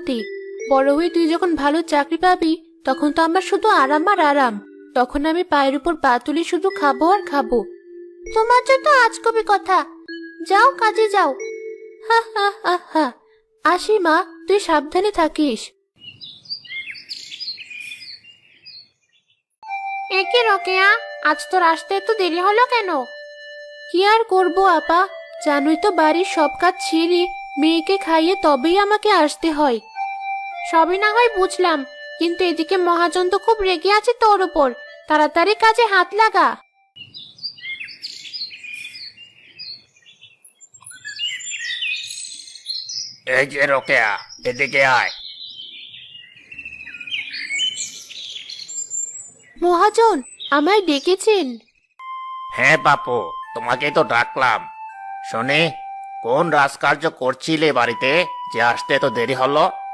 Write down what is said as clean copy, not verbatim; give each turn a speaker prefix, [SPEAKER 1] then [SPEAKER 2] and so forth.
[SPEAKER 1] শান্তি। বড় হয়ে তুই যখন ভালো চাকরি পাবি তখন তো আমার শুধু আরাম আর আরাম। তখন আমি পায়ের উপর পা তুলে শুধু খাবো আর খাবো। তোমার জন্য আজ কবি কথা। যাও কাজে যাও। হা হা হা হা। আসি মা, তুই সাবধানে থাকিস। একে রকেয়া, আজ তোর আসতে এত দেরি হলো কেন? কি আর করবো আপা, জানোই তো বাড়ির সব কাজ ছেড়ে মেয়েকে খাইয়ে তবেই আমাকে আসতে হয়। সবই না হয় বুঝলাম, কিন্তু এদিকে মহাজন তো খুব রেগে আছে তোর উপর। তাড়াতাড়ি কাজে হাত লাগা।
[SPEAKER 2] এই যে রোকেয়া, এদিকে আয়।
[SPEAKER 1] মহাজন, আমায় ডেকেছেন?
[SPEAKER 2] হ্যাঁ বাপু, তোমাকেই তো ডাকলাম। শুনি, কোন রাজকার্য করছিলে বাড়িতে যে আসতে এত দেরি হলো?